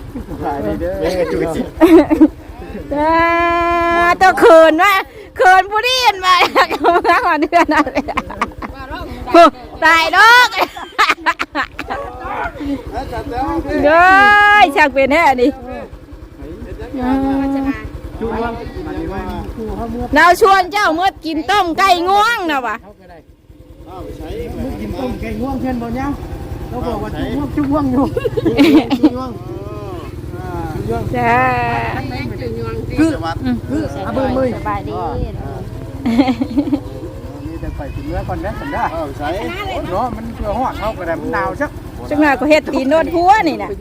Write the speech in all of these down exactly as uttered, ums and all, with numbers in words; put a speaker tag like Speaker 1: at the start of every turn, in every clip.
Speaker 1: ขายดีเด้อจุ๊จิ
Speaker 2: ตัวเขินว่าเขินผู้ดีนมาข้างเดือนอะไรตายดอกเด้อช่างเป็นแน่นี่เราชวนเจ้าเมื่อกินต้มไก่ง่วงนะวะ
Speaker 1: กินต้มไก่ง่วงเช่นบ่ยังเราบอกว่าจุ่วงจุ่วงอยู่จุ่วง
Speaker 2: จ้า
Speaker 1: คือคืออาบุ้มเลย
Speaker 2: สบายดี
Speaker 1: นี่จะไปถึงเมื่อก่อนนะสันได้ใช่เนาะมันเพื่อหอดเข้าก็ได้มันหนาวชัก
Speaker 2: จังหวะก็เฮ็ดตีนโดนหัวนี่นะ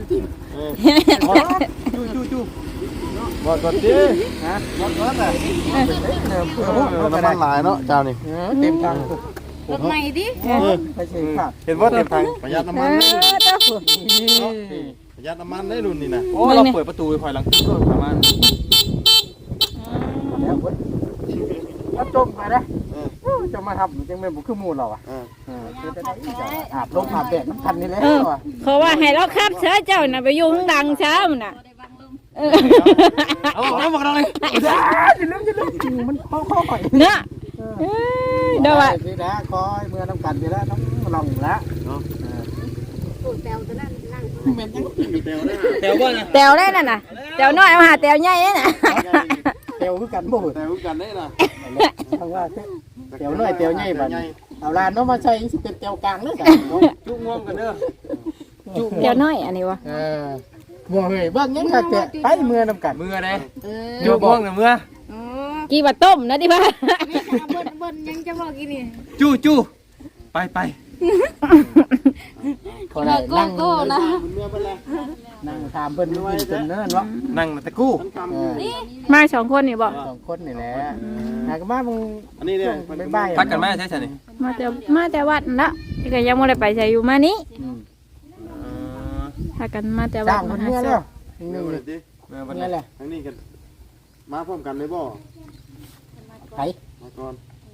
Speaker 1: จูจูจูบอดบอดดิฮะบอดบอดเลยเพื่อหอดเข้าก็ได้
Speaker 3: น้ำมันหลายเนาะเจ้านี่
Speaker 1: เต็มทัง
Speaker 4: รถใหม่ดิ
Speaker 1: ไปเช็คขาด
Speaker 3: เห็นว่าเต็มทางประหยัดน้ำมัน
Speaker 2: เออเจ้า
Speaker 3: ประหยัดน้ำมันได้รุ่นนี่นะ
Speaker 5: โอ้เราเปิดประตูไปคอยหลังขึ้นก็ประมาณ
Speaker 1: แล้วจมไปนะจะมาทำจังแม่บุคือมูลเราอ่ะคือจะได้อาบลมอาบแดดน้ำพันนี่แหละ
Speaker 2: เขาว่าให้เราขับเช้าเจ้าน่ะไปอยู่ข้างดังเช้ามันน่ะ
Speaker 5: เอาเอาบอกเราเลย
Speaker 1: จ้าจะลืมจะลืมมันข้อข้อข่อย
Speaker 2: เนาะเดี๋ยวว่า
Speaker 1: สินะคอยเมื่อน้ำกันไปแล้วน้ำลองแล้ว
Speaker 4: แตวตัวนั้นนั่ง
Speaker 1: เหม็นยัง
Speaker 3: เตียวนะ
Speaker 5: แถวบ้านนะ
Speaker 2: แตวได้น่ะน่ะแตวน้อยมาหาแตวใหญ่น่ะ
Speaker 1: เตียวคือกันบ่
Speaker 3: แต่รู้กันได้นะ
Speaker 1: ทางว่าเตียวน้อยเตียวใหญ่บัดเอาลานน้องมาใช้สิเป็นเตียวกลางเด้อจ้ะ
Speaker 5: จุ่ง่วงกันเด้อ
Speaker 2: แตวน้อยอันนี้วะ
Speaker 1: เออบ่เฮ้ยเบิ่งยังคักแท้ไปเมื่อน้ำกัน
Speaker 5: มือเลย
Speaker 4: เออ
Speaker 5: จุ่ง่วงเนี่ยมือ
Speaker 4: โอ้
Speaker 2: กี่ว่าต้มนะดิพ่ะ
Speaker 4: เบิ้ลเบิ้ลยังจะบอกกินนี่
Speaker 5: จู่จู่ไปไป
Speaker 1: พอได้นั่ง
Speaker 4: โก้นะ
Speaker 1: นั่งถามเพิ่นอยู่เพิ่นเนิ่นวะ
Speaker 5: นั่งตะกู้
Speaker 1: เออ
Speaker 2: มาสองคนนี่บอก
Speaker 1: สองคนนี่แหละหากมามึง
Speaker 3: อันนี้เนี่ย
Speaker 1: บ๊ายบาย
Speaker 5: พักกันไหมใช่ใช่นี่
Speaker 2: มาแต่มาแต่วัดนั่นละที่ก็ยังไม่ได้ไปใส่อยู่มานี้ถ้ากันมาแต่วั
Speaker 1: จ้า
Speaker 2: ด
Speaker 1: ง
Speaker 2: มา
Speaker 1: มัน
Speaker 2: หา
Speaker 1: เมื่อ
Speaker 2: เสื้
Speaker 1: แล้
Speaker 2: อ
Speaker 1: วนึง
Speaker 3: เมื่อ
Speaker 1: ๆ
Speaker 3: เล
Speaker 1: นี่
Speaker 3: ยดิ
Speaker 5: เมื่อวัน
Speaker 1: เมื่
Speaker 5: นี้
Speaker 1: อแหละ
Speaker 3: ทั้งนี้กันมาพร้อมกันเลยบ่
Speaker 1: ไผ
Speaker 3: มาก่อน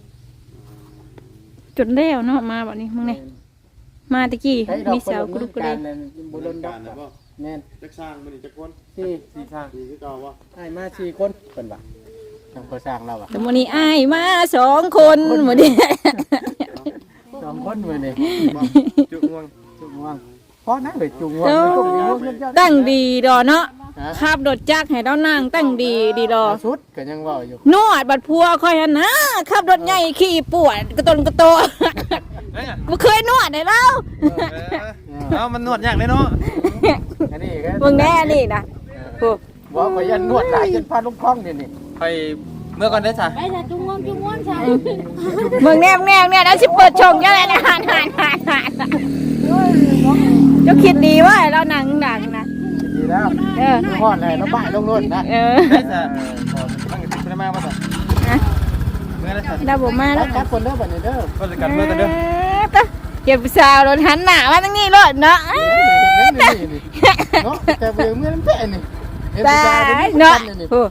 Speaker 2: จุดเลี้ยวเนาะมาแบบนี้มึงเนี่ยมาตะกี้
Speaker 1: ไผดอก
Speaker 2: มีเสากระดุกกระเด
Speaker 1: กาง รบ่ลนดอ
Speaker 3: การ
Speaker 1: ก
Speaker 3: นะบ่
Speaker 1: แม่น
Speaker 3: จักสร้างมันนี่จักคน
Speaker 1: สี่
Speaker 5: สี่ทาง
Speaker 3: นี่คือเก่าบ่
Speaker 1: ให้มาสี่คนเพิ่นว่าทางก่อสร้างเราอ่ะ
Speaker 2: แต่วันนี้อ้ายมาสองคนหมดดิ
Speaker 1: สองคนมื้อนี้
Speaker 5: จุ่ง่วง
Speaker 1: จุงว่างพอนะเด้จุงว่างจุงว่าง
Speaker 2: ตั้งดีดอเนาะขับรถจักรให้เรานั่งตั้งดีดีดอ
Speaker 1: สุดก็ยังเว้าอยู่
Speaker 2: นวดบัดพัวคอยหันนะขับรถใหญ่ขี่ปวดกระตนกระโต
Speaker 5: เฮ้ย
Speaker 2: บ่เคยนวดให้เรา
Speaker 5: เอามันนวดยากเลยเนาะ
Speaker 1: อันนี้ก็
Speaker 2: มึงแน่นี่นะโอ้
Speaker 1: บ่ก็ยันนวดหลายจนพาลงคลองนี่นี่
Speaker 5: ไปเมื่อก่อนได้จ้ะ
Speaker 4: ไปจ้ะจุ้งง่วงจุ้งง่วงใช่
Speaker 2: มึงแน่มึงแน่มึงแน่แล้วสิเปิดชงยังไงนะหันหันหันหันเจ้าคิดดีว่าเราหนังหนังนะ
Speaker 1: ดีแล้ว
Speaker 2: เออ
Speaker 1: ฮอดเลยแล้วบ่ายลงรถนะ
Speaker 2: เออ
Speaker 5: ได้จ้ะตั้งติดไปมาป่ะจ้ะเมื่อได้จ้ะ
Speaker 2: เราบอกมา
Speaker 1: แล้
Speaker 2: แล้ว ว
Speaker 1: ครับคนเด้อบัดนี้เด้อ
Speaker 5: ก็จะกันเมื่อกันเด้อ
Speaker 2: เก็บสาวรถหันหน้ามาตั้งนี้รถเนาะ
Speaker 1: เนาะแต่เบื่อเมื่อนั้นแท้นี่
Speaker 2: ตายเนาะโอ้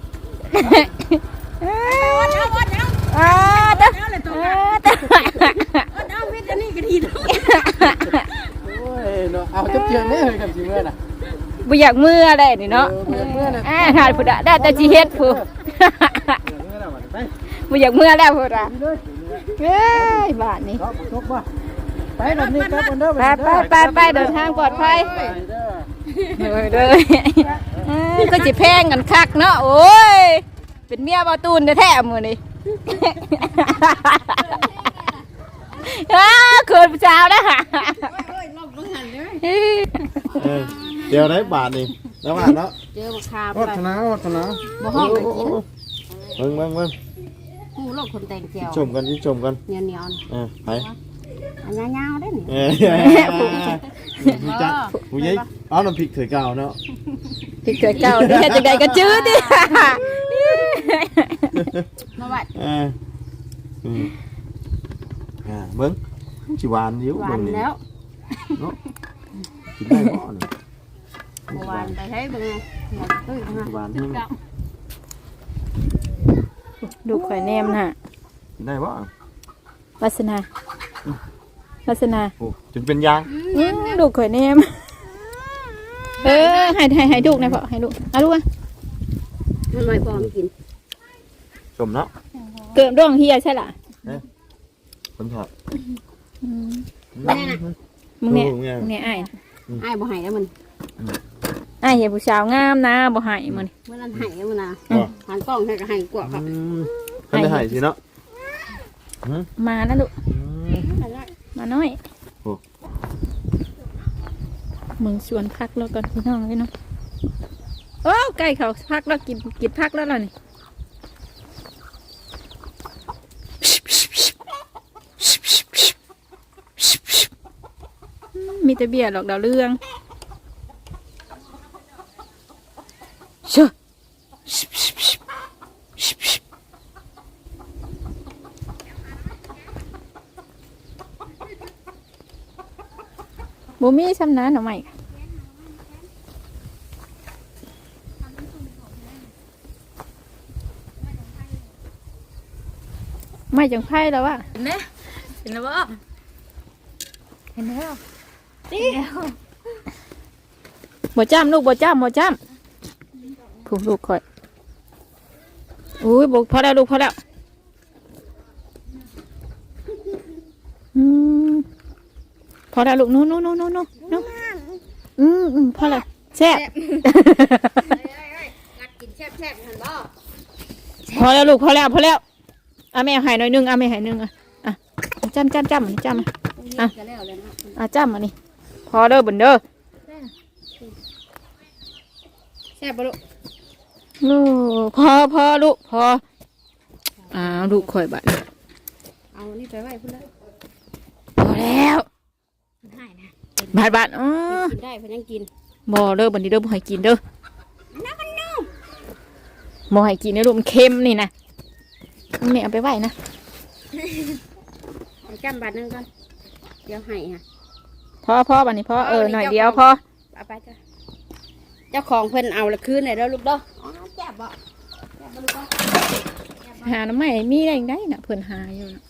Speaker 2: อ้าวตาตา
Speaker 4: เอาวิทย์อันนี้ก็ดีด้วย
Speaker 1: โอ้ยเนาะเอาจับเจียงนี่เลยกับสิเมื่อน่ะ
Speaker 2: บ่อยากมืออะไรนี่เนาะ
Speaker 1: เมื่อเมื่อน่ะ
Speaker 2: อ่าหาผู้ใดได้แต่สิเฮ็ดผู้ บ่อยากมือแล้วพุ่นอ่ะเอ้ยบาดนี้
Speaker 1: เนาะทุกบ่ไปแบบนี้ครับคนเด้อ
Speaker 2: ไปไปไปไปเดินทางปลอดภัยเด้อเด้อก็สิแพงกันคักเนาะโอ้ยเป็นเมียบ่ตูนแท้ๆมื้อนี้อ้าเขินผู้สาวนะ
Speaker 3: เดี๋ยวได้บาทนี่แล้วบาทเนาะ
Speaker 4: เจอบักคา
Speaker 1: วัฒนาวัฒนา
Speaker 4: บ่ห้องไปกิน
Speaker 3: เบิ่งเบิ่งเบิ่ง
Speaker 4: กูโลกคนแต่งเจียว
Speaker 3: ชมกันชมกัน
Speaker 4: เหนียวเหนียว
Speaker 3: เออไป
Speaker 4: อันยาวๆได้นี่
Speaker 3: เออผู้จัดผู้ใหญ่เอาน้ำพริกเถื่อเก่าเนาะ
Speaker 2: ติดเกิดเก่าดิจังไดก็จื้อดิ
Speaker 4: มาวัด
Speaker 3: เอออืมอ่าเบิ่งสิหวานอยู่
Speaker 4: หวา
Speaker 3: เบิ่
Speaker 4: น
Speaker 3: งนี่
Speaker 4: แล้ว
Speaker 3: เนาะกินได้บ่เนี่ย
Speaker 4: หวานไปให้เบิ่งหมดตุ้ยมา
Speaker 3: หวานนี่
Speaker 2: ดูข่อยแนมน่ะ
Speaker 3: กินได้บ่
Speaker 2: วาสนา วาสนา
Speaker 3: โอ้จนเป็นยาง
Speaker 2: อืมดูข่อยแนมเออให้ให้ให้ลูกนะพ่อให้ลูกเอาลูกอ่ะ
Speaker 4: มันไม่พอมกิน
Speaker 3: สมเนาะ
Speaker 2: เกิดร่องเฮียใช่ล่ะ
Speaker 3: ผมถอด
Speaker 4: แม่น่ะ
Speaker 2: มึงเนี่ยมึงเนี่ยไอ้
Speaker 4: ไอ้บ่ให้แล้วมัน
Speaker 2: ไอ้เหี้ยผู้สาวงามนะบ่ให้มัน
Speaker 4: เมื่อนั้นให้แล้วมันนะหันกล้องให้ก็ให้กว่าครับ
Speaker 3: ท่านได้หายสิเนาะ
Speaker 2: มานะลูกมาน้อยมึงชวนพักแล้วก่อนพี่น้องพี่น้องโอ้ไก่เขาพักแล้วกินกินพักแล้วล่ะนี่มีแต่เบียร์หรอกดาวเรื่องเชื่อบ่มีซ้ำนั้นหรอไม่ไม่จังไพ่แล้ววะเห็นไหมเห็นแล้วบ่เห็นแล้วนี่บ่จ้ำลูกบ่จ้ำบ่จ้ำผูกลูกคอยอุ้ยบ่พอแล้วลูกพอแล้วอืมพอแล้วลูกนู้นนู้นนู้นนู้นนู้นอืมอืมพอแล้วแซ่บ
Speaker 4: รักกินแซ่บๆหันบ่
Speaker 2: พอแล้วลูกพอแล้วพอแล้วอ่ะแม่หายหน่อยนึงอ่ะแม่หายนึงอ่ะอ่ะจ้ำจ้ำจ้ำมันจ้ำอ่ะอ่ะอ่ะจ้ำมันนี่พอเด้อบุญเด้อ
Speaker 4: แซ่บบ่ลูก
Speaker 2: ลูกพอพอลูกพออ้าวลูกข่อยบัด
Speaker 4: เอานี่ไปไว้พุ่นเลย
Speaker 2: พอแล้ว
Speaker 4: ให้นะ
Speaker 2: บาดบาดอ๋อ
Speaker 4: กินได้เพิ่นยังกิน
Speaker 2: บ่เด้อบัดนี้เด้อบ่ให้กินเด้อบ่ให้กินเด้อลูกมันเค็มนี่นะแม่เอาไปไว้นะ
Speaker 4: ให้จำบาทนึงก่อนเดี๋ยวให้ฮะ
Speaker 2: พอพอบัดนี้พอเออหน่อยเดียวพอ
Speaker 4: เอาไปจ้ะเจ้าของเพิ่นเอาละคืนได้แล้วลูกเด้ออ๋อแซ่บบ่แซ่บบ่ลูกเด้อ
Speaker 2: หาน้ำใหม่มีได้ได้น่ะเพิ่นหาอยู่น่ะ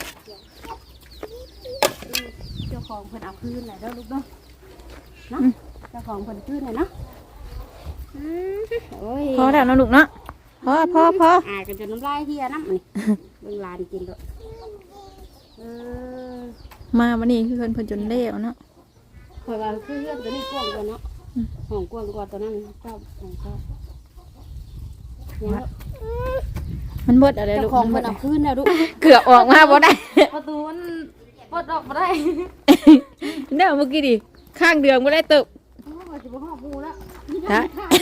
Speaker 4: เจ้าของเพิ่นเอาคืนได้แล้วลูกเด้อเนาะเจ้าของเพิ่นคืนได้เนาะอืมโอ้ย
Speaker 2: พอแล้วนะลูกเนาะพอพอพอ
Speaker 4: อายกันจนน้ำลายเฮียน้ำนี่ เบิ่งหลานกินด้วยเออ
Speaker 2: มาวันนี้คือเพิ่นเพิ่นจนเละเนาะ
Speaker 4: ข่อยว่าคือเรื่องตัวนี้กว้างกว่าเนาะห้องกว้างกว่าตัวนั้นเจ้าของเจ้าเนี่ย
Speaker 2: มันเบิดอะไร
Speaker 4: เจ้า
Speaker 2: ลูก
Speaker 4: ของ
Speaker 2: มั
Speaker 4: เพิ่
Speaker 2: น
Speaker 4: น
Speaker 2: เบิด
Speaker 4: เอาคืนแล้วลูก
Speaker 2: เกือบออกมาบ่ได้
Speaker 4: ประตูมันเปิดออกมาได้
Speaker 2: เนี่ยเมื่อกี้ดิข้างเดืองบ่ได้ตึก
Speaker 4: โอ้ยจะบ่ฮอดหมู่แล้ว
Speaker 2: ฮะ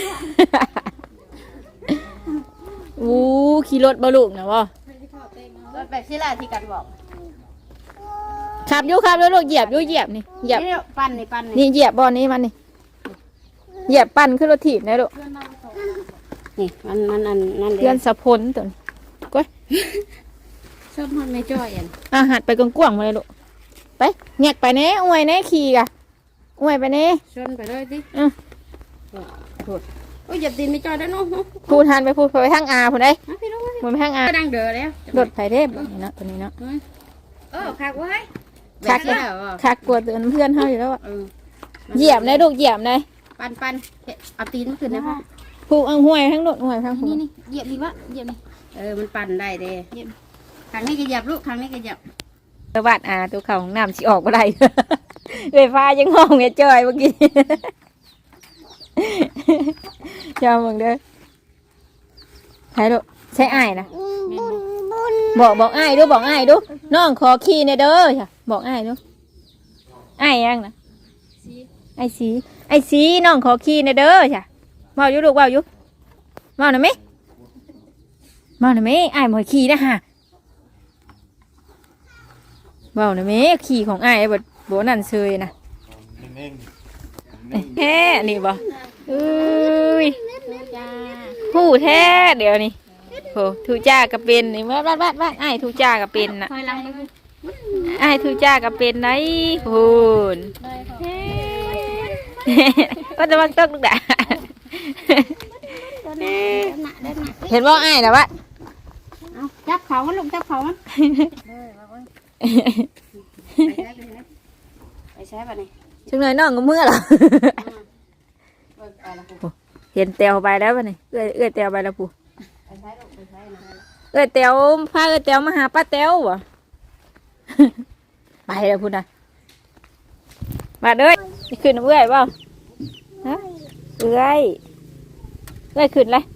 Speaker 2: อู้ขี่รถบ่ลูกนะบ่
Speaker 4: แบบที่แรกที่กันบอก
Speaker 2: ขับอยู่ขับอยู่ลูกเหยียบอยู่เหยียบนี่เหยียบ
Speaker 4: นี่ปั่นนี่ปั่น
Speaker 2: นี่เหยียบบ่อนี้มันนี่เหยียบปั่นขึ้นรถถีบได้ลูก
Speaker 4: นี่มันมันอันนั่นเลย
Speaker 2: เพื่อนสะพลตัวนี้ก้อย
Speaker 4: ชอบมันไม่จ้อยอัน
Speaker 2: อาหัดไปกว้างๆมาเลยลูกไปแงกไปแน่อวยแน่ขี่กะอวยไปแน่
Speaker 4: ชนไปเลยดิ
Speaker 2: อือ
Speaker 4: โอ้ยอย่าตีนไม่จ้อยได้เนาะ
Speaker 2: พูดทันไปพูดไปทางอาพูดได้
Speaker 4: มาพี่น้อง
Speaker 2: พูดไปทางอา
Speaker 4: ก็ดังเด้อแล้ว
Speaker 2: รถไถเทพแบบนี้เนาะตัวนี้เนาะ
Speaker 4: เออคักไว้
Speaker 2: คักเลยคักกลัวเตือนเพื่อนเขาอยู่แล้วอะ
Speaker 4: เออ
Speaker 2: เหยียบเลยลูกเหยียบเลย
Speaker 4: ปันปันเอาตีนขึ้นนะพ่อ
Speaker 2: ผูกเอาห้วยทั้งรถห้วยทั้งผู
Speaker 4: นี่นี่เหยียบดีวะเหยียบนี่เออมันปั่นได้เด้เหยียบครั้งนี้ก็เหยียบลูกครั้งนี้ก็เหยียบ
Speaker 2: สวัสดอาตัวเขาของน้ำสิออกมาได้ ไฟฟ้ายังห้องเงี้ยจอยเมื่อกี้ จอมึงเด้อใช่ลูกใช่อ้ายนะบอกบอกอ้ายดูบอกอ้ายดูน้องขอขี่ในเด้อจ้ะบอกอ้ายดูอ้ายยังนะไอ้สีไอ้สีน้องขอขี่ในเด้อจ้ะเมาอยู่ลูกเมาอยู่เมาหน่อยไหมเมาหน่อยไหมอ้ายหมอยขี่นะฮะเมาหน่อยไหมขี่ของอ้ายบดบนั่นเชยนะแท้นี่บ่เอ้ยผู้แท้เดี๋ยวนี้โหทูจ้าก็เป็นนี่บ้านบ้านบ้านบ้านไอ้ทูจ้าก็เป็นน่ะ
Speaker 4: คอยลังเลย
Speaker 2: ไอ้ทูจ้าก็เป็นไหนพูนก็จะวางตกลูกด่าเห็นว่าไอ้นะวะ
Speaker 4: เอาจับเขามันลูกจับเขามันไปใช้ไปนี่
Speaker 2: จังเลยน้องก็เมื่อหรอ
Speaker 4: ไปละปุ๊บ
Speaker 2: เห็นเตียวไปแล้วป่ะนี่เอื้อยเอื้อยเตียวไปแล้วปู่
Speaker 4: ไปใช้ลูกไปใช้นะ
Speaker 2: เอื้อยเตียวพาเอื้อยเตียวมาหาป้าเตียววะ ไปแล้วพูดนะมาเด้ยนี่ขึ้นน้ำเอื้อยเปล่าฮะเอื้อยเอื้อยขึ้นเลย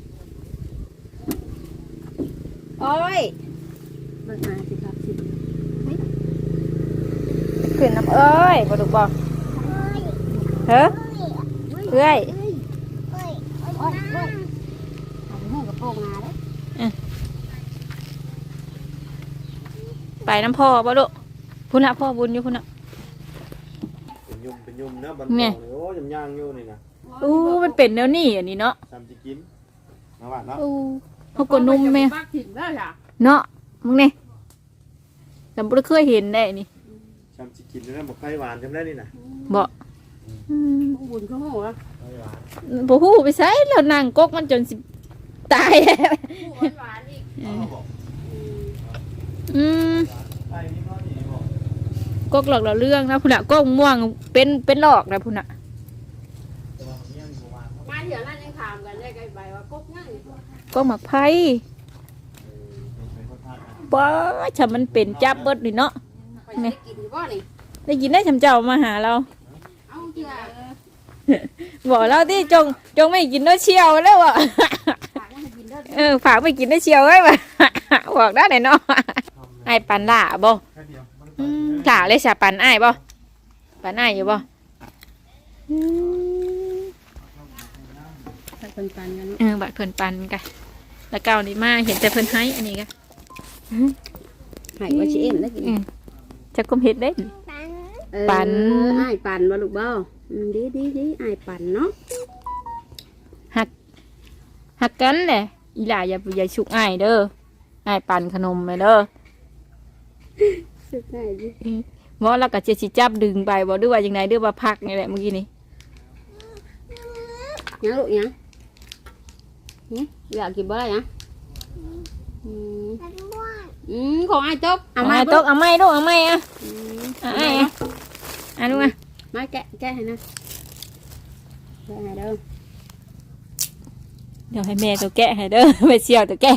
Speaker 2: โอ้ย
Speaker 4: เบิกมาสิครับสิ
Speaker 2: ขึ้นน้ำเอ้ยบ่ดูบ่เฮ้อเอื้อย
Speaker 4: โอ้ยโอ้ยเอาไปให้กระโปรงมาเลย
Speaker 2: ไปน้ำพ่อบ่ลูกพุ่นน่ะพ่อบุญอยู่พุ่นน่ะ
Speaker 3: เป็นยุ่มเป็นยุ่มนะบัน
Speaker 2: เนี่ย
Speaker 3: โอ้ยำย่างอยู่นี่นะ
Speaker 2: อู้มันเป็นแนวนี้อันนี้เนาะ
Speaker 3: ทำจะกินมาบ้านเนาะ
Speaker 2: อู้เขากดนุ่มแม่
Speaker 4: ปักถิ่นแล้วจ้ะ
Speaker 2: เนาะมึงนี่จำบ่ได้เคยเห็นได้นี่
Speaker 3: ทำจะกินแล้วบอกไข่หวานจำได้นี่นะ
Speaker 2: บ่อืม
Speaker 4: บุญเขาหัว
Speaker 3: ไข่หวาน
Speaker 2: บ่ฮู้ไปไสแล้วนั่งกกมันจนสิตายแล้ว
Speaker 4: หวานอีก
Speaker 3: เอาบอก
Speaker 2: อืม
Speaker 3: ไข่นี่เขาดีบอก
Speaker 2: กกหลอกเราเรื่องนะพุ่นน่ะกกม่วงเป็นเป็นหลอกนะพุ่นน่ะ
Speaker 3: แต่ว่ามันยังประมาณ
Speaker 4: มาเดี๋ยวนั้นยังถามกันได้ไกลไปว่ากบง่าย
Speaker 2: กกหมักไผ่
Speaker 3: เป็นคนทานนะ
Speaker 2: บ่ถ้ามันเป็นจับเบิดนี่เนาะ
Speaker 4: ไปได้กินอยู่บ่นี่
Speaker 2: ได้ยินได้ชำเจ้ามาหาเรา
Speaker 4: เอาเถอะ
Speaker 2: บอกเราที่จงจงไม่กินเนื้อเชียวแล้วอ่ะ
Speaker 4: ฝากให้กินเด้อ
Speaker 2: เออฝากไปกินเนื้อเชียวไว้ว่ะ บอกได้ไหนเนาะไอ้ายปันล่าบ่
Speaker 3: แค่เดียวมัน
Speaker 2: อืมล่าเลยสาปันไอ้ายบ่ปันไอ้ายอยู่บ่อืม
Speaker 4: เป็นปันกัน
Speaker 2: เออบัดเพิ่นปันกันแล้วเก่านี่มาเห็นแต่เพิ่นให้อันนี้กัน
Speaker 4: หายว่าชิเอ็นได้กิน
Speaker 2: อืมจะก้มเฮ็ดได้ ปัน
Speaker 4: อ้ายปันบ่ลูกบ่ดีดีดีอ้ายปันเนาะ
Speaker 2: หักหักกันแหละอีหล่าอย่าอย่าฉุกอ้ายเด้ออ้ายปันขนมไปเด้อ
Speaker 4: สุดท้ายดิ
Speaker 2: หมอแล้วก็จะสิจับดึงไปบ่ด้วยว่าจังไดด้วยว่าพักนี่แหละเมื่อกี้นี้
Speaker 4: ยังลูกยังนี่อยากกินบ่ได้ยังอืมอืมของอ้ายจบ
Speaker 2: เอา
Speaker 4: เอา
Speaker 2: มา
Speaker 4: มา
Speaker 2: ตกเอาไม้ลูกเอาไม้อ่ะ
Speaker 4: อืม
Speaker 2: เอาไอ้อ่ะอ่ะลูกอ่ะ
Speaker 4: มาแกะแกะให้นะแกะให้เด้อ
Speaker 2: เดี๋ยวให้แม่ตัวแกะให้เด้อ ไปเชี่ยวตัวแกะ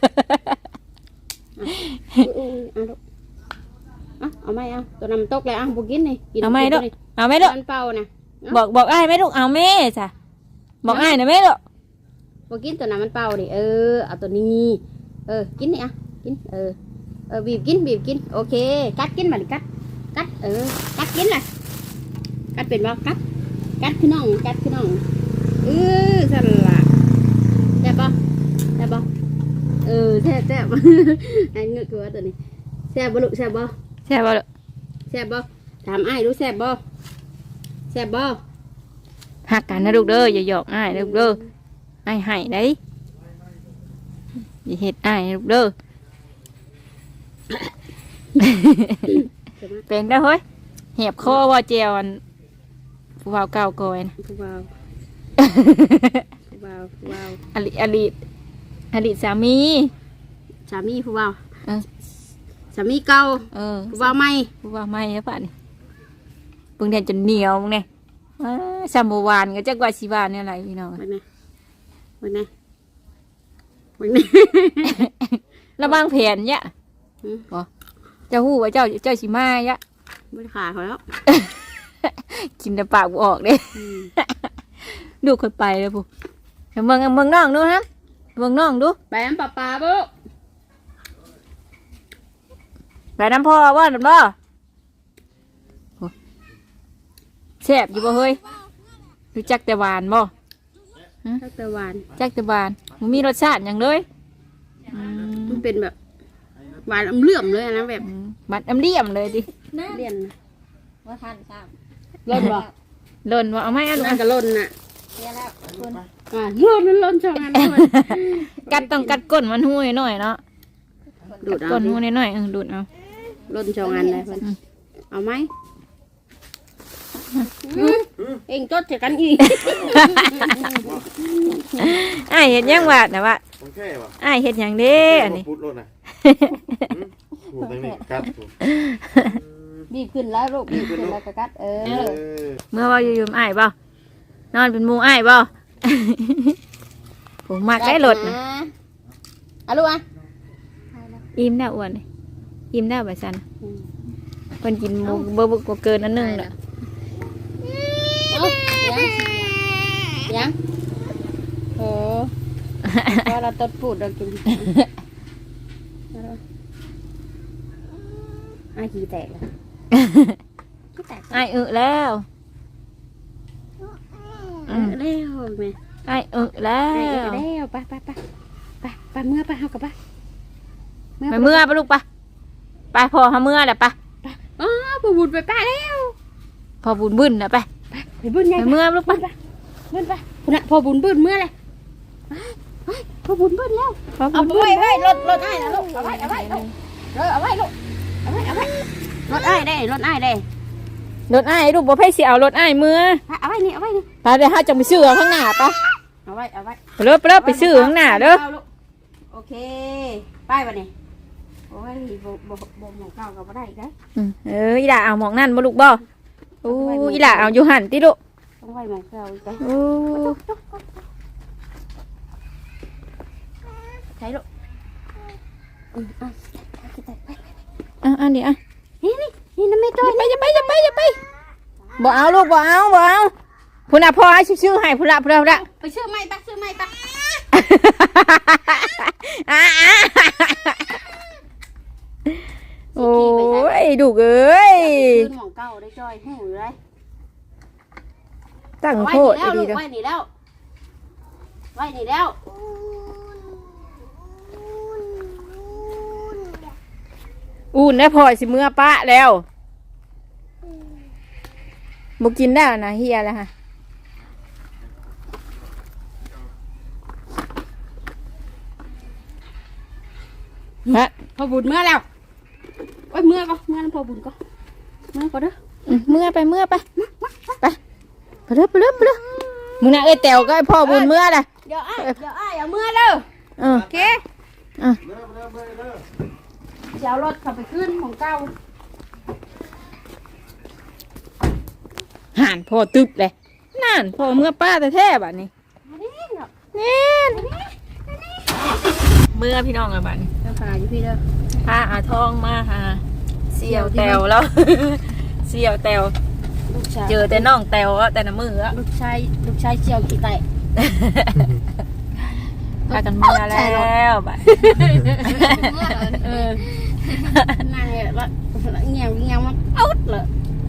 Speaker 4: อุ้ยอุ้ยเอาลูกเอาเอาไม่เอาตัวน้ำตกเลยเอาบุกินนี่กิน
Speaker 2: เอาไม้ลูก
Speaker 4: กิน
Speaker 2: เอาไม้
Speaker 4: ตัว
Speaker 2: ลูก
Speaker 4: นี้มันเป่านะ
Speaker 2: บอกบอกไอ้ายไหมลูกเอาแม่จ้ะบอกไอ้ายนะแม่ลูก
Speaker 4: บุกินตัวน้ำมันเป่าดิเออเอาตัวนี้เออกินนี่อ่ะกินเออเออบีบกินบีบกินโอเคกัดกินมาดิกัดกัดเออกัดกินเลยกัดเป็นบ่กัดกัดขึ้นน้องกัดขึ้นน้องเออสั่นละแซ่บบ่แซ่บบ่เออแซ่บแซ่บ ไอ้เงือกตัวตัวนี้แซ่บบ่ลูกแซ่บบ่
Speaker 2: ใช่ป่ะลูก
Speaker 4: แซ่บบ่ถามไอ้ายรู้แซ่บบ่แซ่บบ่
Speaker 2: หักกันนะลูกเด้ออย่าหยอกอ้ายนะลูกเด้อไอ้ายให้ได้อย่าเฮ็ดอ้ายนะลูกเด้อ เป็นได้อเฮ้ยเหียบคอว่าเจียวอันผู้บ่าวเก่าก่อยนะ
Speaker 4: ผู้บ่าวผู้บ่าวผู้บ่าว
Speaker 2: อลิอลิอลิสามี
Speaker 4: สามีผู้บ่าว
Speaker 2: เออ
Speaker 4: สามีเก่า
Speaker 2: เออ
Speaker 4: ผู้บ่าวใหม่
Speaker 2: ผู้บ่าวไม่แล้วป่ะนี่เพิ่งเรียนจนเหนียวมึงเนี่ยอ้าสามโมวานก็จักว่าสิวานเนี่ยอะไรพี่น้อง
Speaker 4: วันไหนวันไหนวันไหน
Speaker 2: ระวางแผนเนี่ย
Speaker 4: อืม
Speaker 2: บ่เจ้าฮู้ว่าเจ้าเจ้าสิมาเนี่ย
Speaker 4: ไม่ได้ขาเขาแล้ว
Speaker 2: กินแต่ปากบ่ออกเด้
Speaker 4: อืม
Speaker 2: ดูคนไปเลยปุ๊เดี๋ยวเมืองเมืองน้องดูนะเมืองน้องดู
Speaker 4: ไปน้ำปลาปลาบุ
Speaker 2: ไปน้ำพ่อว่าน้ำบ่โอ้แซ่บอยู่บ่เฮ้ยรู้จักแต่หวานบ่
Speaker 4: ทักตะวัน
Speaker 2: จักแต่หวานมันมีรสชาติอย่างเลยอืม
Speaker 4: มันเป็นแบบหวานอมเลื่อมเลยนะแบบ
Speaker 2: อืมมันอำเลี่ยมเลยดิ
Speaker 4: เลี่ยนนะ
Speaker 6: ว่าทันทราบ
Speaker 4: ล่นบ่
Speaker 2: หล่นว่าเอาไหม่เอาลูก
Speaker 4: น่าจะล่นน่ะ
Speaker 6: เรียแล้วคุณ
Speaker 4: อ่าล่นนั่นล่นช่องนั้นด้วย
Speaker 2: กัดต้องกัดก้นมันหู้หน่อยเนาะ
Speaker 4: ดูดเอา
Speaker 2: ก้น
Speaker 4: ดิ
Speaker 2: หู้หน่อยๆเออดูดเอา
Speaker 4: ล่นช่องอันเลยเพิ่นเอาไหมเองจดเจอกันอีก
Speaker 2: อ้ายเฮ็ดหยังวะนะวะ
Speaker 3: โอเคป่ะ
Speaker 2: อ้ายเฮ็ดหยังเด้อันนี้
Speaker 3: พูดรถนะหูตั้งนี่กัดหู
Speaker 4: บีบขึ้นแล้วลูกบีบขึ้นแล้วก็กัดเออ
Speaker 3: เออ
Speaker 2: เมื่อว่าอยู่ๆอ้ายบ่นอนเป็นหมู่อ้ายบ่ผมมักได้รถนะ
Speaker 4: เอาลูกอ่ะ
Speaker 2: อิ่มได้อ้วนเลยอิ่มได้แบบซันเพิ่นกินหมูเบอร์บุกเกินอันหนึงแหละ
Speaker 4: เอายังยังโอ้พอเราตดพูดเรากินไอ้ขี้แตกเลยขี้แตก
Speaker 2: ไอ้อึแล้ว
Speaker 4: เออแล้วแม่
Speaker 2: ไอ้อึแล้
Speaker 4: ไอ้
Speaker 2: ว
Speaker 4: แล้วไปไปไปไปไปเมื่อไปเฮากับไป
Speaker 2: ไปเมื่อปะลูกปะไปพอหาเมื่อแหละปะ
Speaker 4: อ๋อบูบุญไปป้าแล้ว
Speaker 2: พอบุญบึ้นนะไป
Speaker 4: ไปบุญไง
Speaker 2: ไปเมื่อลูกปะ
Speaker 4: บุญไปคุณอะพอบุญบุญเมื่อไรพอบุญบุญแล้ว
Speaker 2: พอ
Speaker 4: เอา
Speaker 2: บุญ
Speaker 4: ไป
Speaker 2: บึ้น
Speaker 4: ไว้รถรถไอ้นะลูกเอาไว้เอาไว้ลูกเออเอาไว้ลูกเอาไว้เอาไว้รถไอ้ได้รถไอ้ได้
Speaker 2: รถไอ้ลูกบ่เพ่สิเอารถไอ้เมื่อ
Speaker 4: เอาไว้นี่เอาไว้นี่
Speaker 2: ไปเดี๋ยวห้าจะไปซื้อข้างหน้าปะ
Speaker 4: เอาไว้เอาไว้
Speaker 2: ไปเลิกไปเลิกไปซื้อข้างหน้าเด้อ
Speaker 4: โอเคไปวันนี้โอ้ยบ่บ่บ่หมองเก่าก็บ่ได้อีกนะ
Speaker 2: อืมเอออีหล่าเอาหมองนั่นบ่ลูกบ่อู้อีหล่าเอาอยู่หันติลูก
Speaker 4: ต้องไว้หมองเก่าอีกนะ
Speaker 2: อู้
Speaker 4: ใช่ลูกอืมอ่ะไปไป
Speaker 2: อ่ะอันนี้อ่ะ
Speaker 4: นี่นี่นี่น้ำไม่ต้
Speaker 2: อย่าไปอย่าไปอย่าไปอย่าไปบ่เอาลูกบ่เอาบ่เอาพุ่นน่ะพ่อให้ชื่อๆให้พุ่นละพุ่นละพุ่นละ
Speaker 4: ไปซื้อไม้ปะซื้อไม้ปะ
Speaker 2: อ่ะอ่ะโอ้ยดุเอ้ย
Speaker 4: หมองเก่าได้จอยหูเลย
Speaker 2: ตั้ง
Speaker 4: ไว้
Speaker 2: โทษ
Speaker 4: นี่แล้ว
Speaker 2: ดี
Speaker 4: ลูก
Speaker 2: ๆเด้อ
Speaker 4: ไว้นี่แล้วไว้นี่แล้ว
Speaker 2: อุ่นได้พอสิเมื่อปะแล้วบ่กินได้แล้วนะเฮียแล้วฮะฮะ
Speaker 4: พอบุญเมื่อแล้วโอ้ยเมื่อก็เมื่อนั้นพอบุญก็เมื่อก็เด้อ
Speaker 2: อืมเมื่อไปเมื่อไปไปไปเด้อไปเด้อไปเด้อมึงน่ะเอ้ยแตวก็ให้พ่อบุญเมื่อน่ะ
Speaker 4: เดี๋ยวอ้ายเดี๋ยวอ้ายเอาเมื่อเด้อ
Speaker 2: เออ
Speaker 4: โอเค
Speaker 2: อ่ะ
Speaker 4: เดี๋ยวรถขับไปขึ้นของเก่า
Speaker 2: ห่านพ่อตึบเลยนั่นพ่อเมื่อป้าแต่แท้ๆบัดนี้
Speaker 4: นี่เนาะ
Speaker 2: นี่เมื่อพี่น้องอะบัดนี้
Speaker 4: เดี๋ยวขนาดอยู่พี่เด้อ
Speaker 2: พาอาทองมาหาเสี่ยวแตวแล้ว เสี่ยวแตว
Speaker 4: ลูกชาย
Speaker 2: เจอแต่น้องแตวอะแต่ละมืออะ
Speaker 4: ลูกชายลูกชายเจียวกี่ไต
Speaker 2: พากันมาแล้วบัด
Speaker 4: เออนั่งเนี่ยละเงี้ยเงี้ยมันเอาเลย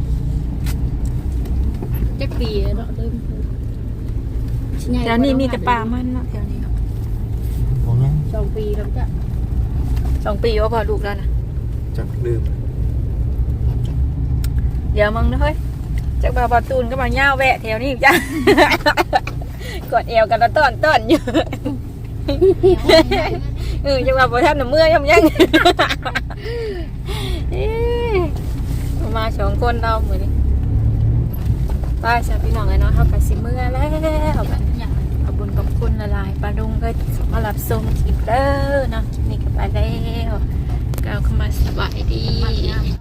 Speaker 4: จะปีเนาะเดิม
Speaker 2: แถวนี้มีแต่ป่ามันเนาะแถวนี้เนาะ
Speaker 3: บอกยัง
Speaker 4: สองปีแล้วจ้ะ
Speaker 2: สองปีว่าพอลูกแล้วนะ
Speaker 3: จักลืม
Speaker 2: เดี๋ยวมึงนะเฮ้ยจากบาบาตูนก็มาเง่าแวะแถวนี้อีกจ้ะ กดเอวกันแล้วต้อนต้อนอยู่ เออจังหวะพอทำหนึ่งเมื่อย่ำยัง เอ๊ะมาสองคนเราเหมือนป้าชาวพี่น้องไอ้เนาะเขากับสิเมื่อแล้วแบบขอบคุญขอบคุณละลายปลาดุงก็มารับส่งคลิปเด้อเนาะคลิปนี้ก็ไปแล้วก้าวเข้ามาสบายดี